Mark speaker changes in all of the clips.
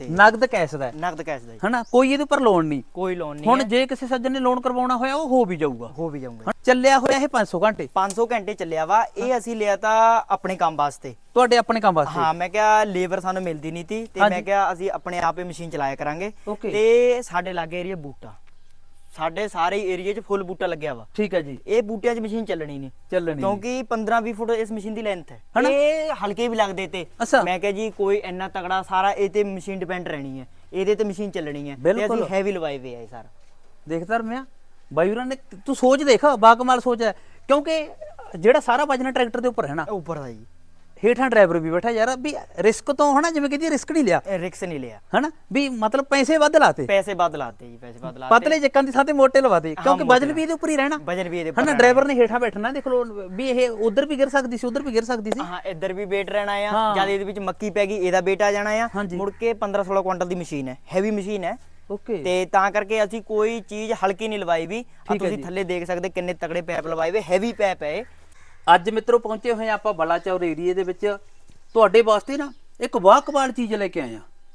Speaker 1: ਨਗਦ ਕੈਸ਼ ਦਾ
Speaker 2: ਨਗਦ ਕੈਸ਼ ਦਾ
Speaker 1: ਹਨਾ, ਕੋਈ ਇਹਦੇ ਉੱਪਰ ਲੋਨ ਨਹੀਂ,
Speaker 2: ਕੋਈ ਲੋਨ ਨਹੀਂ।
Speaker 1: ਹੁਣ ਜੇ ਕਿਸੇ ਸੱਜਣ ਨੇ ਲੋਨ ਕਰਵਾਉਣਾ ਹੋਇਆ ਉਹ ਹੋ ਵੀ ਜਾਊਗਾ।
Speaker 2: ਜਾਊਗਾ।
Speaker 1: ਚੱਲਿਆ ਹੋਇਆ ਇਹ 500 ਘੰਟੇ
Speaker 2: 500 ਘੰਟੇ ਚੱਲਿਆ ਵਾ। ਇਹ ਅਸੀਂ ਲਿਆ ਤਾਂ ਆਪਣੇ ਕੰਮ ਵਾਸਤੇ,
Speaker 1: ਤੁਹਾਡੇ ਆਪਣੇ ਕੰਮ ਵਾਸਤੇ।
Speaker 2: ਹਾਂ, ਮੈਂ ਕਿਹਾ ਲੇਬਰ ਸਾਨੂੰ ਮਿਲਦੀ ਨਹੀਂ ਤੀ ਤੇ ਮੈਂ ਕਿਹਾ ਅਸੀਂ ਆਪਣੇ ਆਪ ਹੀ ਮਸ਼ੀਨ ਚਲਾਇਆ ਕਰਾਂਗੇ। ਤੇ ਸਾਡੇ ਲਾਗੇ ਏਰੀਆ ਬੂਟਾ, ਸਾਡੇ ਸਾਰੇ ਏਰੀਆ 'ਚ ਫੁੱਲ ਬੂਟਾ ਲੱਗਿਆ ਵਾ।
Speaker 1: ਠੀਕ ਹੈ ਜੀ।
Speaker 2: ਇਹ ਬੂਟਿਆਂ 'ਚ ਮਸ਼ੀਨ ਚੱਲਣੀ ਨਹੀਂ ਕਿਉਂਕਿ 15-20 ਫੁੱਟ ਇਸ ਮਸ਼ੀਨ ਦੀ ਲੈਂਥ ਹੈ। ਇਹ ਹਲਕੇ ਵੀ ਲੱਗਦੇ ਤੇ ਮੈਂ ਕਿਹਾ ਜੀ ਕੋਈ ਇੰਨਾ ਤਗੜਾ ਸਾਰਾ ਇਹ ਤੇ ਮਸ਼ੀਨ ਡਿਪੈਂਡ ਰਹਿਣੀ ਹੈ, ਇਹਦੇ ਤੇ ਮਸ਼ੀਨ ਚੱਲਣੀ ਹੈ ਤੇ ਅਸੀਂ ਹੈਵੀ ਲਵਾਏ ਵੇ ਆ ਸਾਰਾ।
Speaker 1: ਦੇਖਦਾ ਰਮਿਆ ਬਾਈ ਹੋਰਾਂ ਨੇ, ਤੂੰ ਸੋਚ ਦੇਖ, ਬਾਕਮਾਲ ਸੋਚ ਹੈ, ਕਿਉਂਕਿ ਜਿਹੜਾ ਸਾਰਾ ਵਜਨ ਟਰੈਕਟਰ ਦੇ ਉੱਪਰ ਹੈ ਨਾ,
Speaker 2: ਉੱਪਰ ਦਾ ਜੀ,
Speaker 1: ਹੇਠਾਂ ਡਰਾਈਵਰ ਵੀ ਬੈਠਾ ਯਾਰ, ਵੀ ਰਿਸਕ ਤੋਂ ਹਨਾ, ਜਿਵੇਂ ਕਹਿੰਦੀ ਰਿਸਕ ਨਹੀਂ ਲਿਆ,
Speaker 2: ਰਿਸਕ ਨਹੀਂ ਲਿਆ
Speaker 1: ਹਨਾ, ਵੀ ਮਤਲਬ ਪੈਸੇ ਵੱਧ ਲਾਤੇ,
Speaker 2: ਜੀ ਪੈਸੇ ਵੱਧ ਲਾਤੇ
Speaker 1: ਪਤਲੇ ਚੱਕਾਂ ਦੀ ਥਾਂ ਤੇ ਮੋਟੇ ਲਵਾਤੇ, ਕਿਉਂਕਿ ਵਜਨ ਵੀ ਇਹਦੇ ਉੱਪਰ ਹੀ ਰਹਿਣਾ,
Speaker 2: ਵਜਨ ਵੀ ਇਹਦੇ
Speaker 1: ਹਨਾ, ਡਰਾਈਵਰ ਨੇ ਹੇਠਾਂ ਬੈਠਣਾ, ਦੇਖ ਲਓ ਵੀ ਇਹ ਉਧਰ ਵੀ ਗਿਰ ਸਕਦੀ ਸੀ, ਉਧਰ ਵੀ ਗਿਰ ਸਕਦੀ ਸੀ,
Speaker 2: ਹਾਂ, ਇੱਧਰ ਵੀ ਵੇਟ ਰਹਿਣਾ ਆ। ਜਦ ਇਹਦੇ ਵਿੱਚ ਮੱਕੀ ਪੈ ਗਈ ਇਹਦਾ ਵੇਟ ਆ ਜਾਣਾ ਆ। ਮੁੜ ਕੇ 15-16 ਕੁਇੰਟਲ ਦੀ ਮਸ਼ੀਨ ਹੈ, ਹੈਵੀ ਮਸ਼ੀਨ ਹੈ। ਤੇ ਤਾਂ ਕਰਕੇ ਅਸੀਂ ਕੋਈ ਚੀਜ਼ ਹਲਕੀ ਨਹੀਂ ਲਵਾਈ ਵੀ। ਤੁਸੀਂ ਥੱਲੇ ਦੇਖ ਸਕਦੇ ਕਿੰਨੇ ਤਗੜੇ ਪੈਪ ਲਵਾਏ ਵੇ, ਹੈਵੀ ਪੈਪ ਹੈ।
Speaker 1: ਅੱਜ ਮਿੱਤਰੋ ਪਹੁੰਚੇ ਹੋਏ ਆਪਾਂ ਬਲਾਚੌਰ ਏਰੀਏ ਦੇ ਵਿੱਚ, ਤੁਹਾਡੇ ਵਾਸਤੇ ਨਾ ਇੱਕ ਵਾਕਬਾਲ ਚੀਜ਼ ਲੈ ਕੇ ਆਏ ਆ।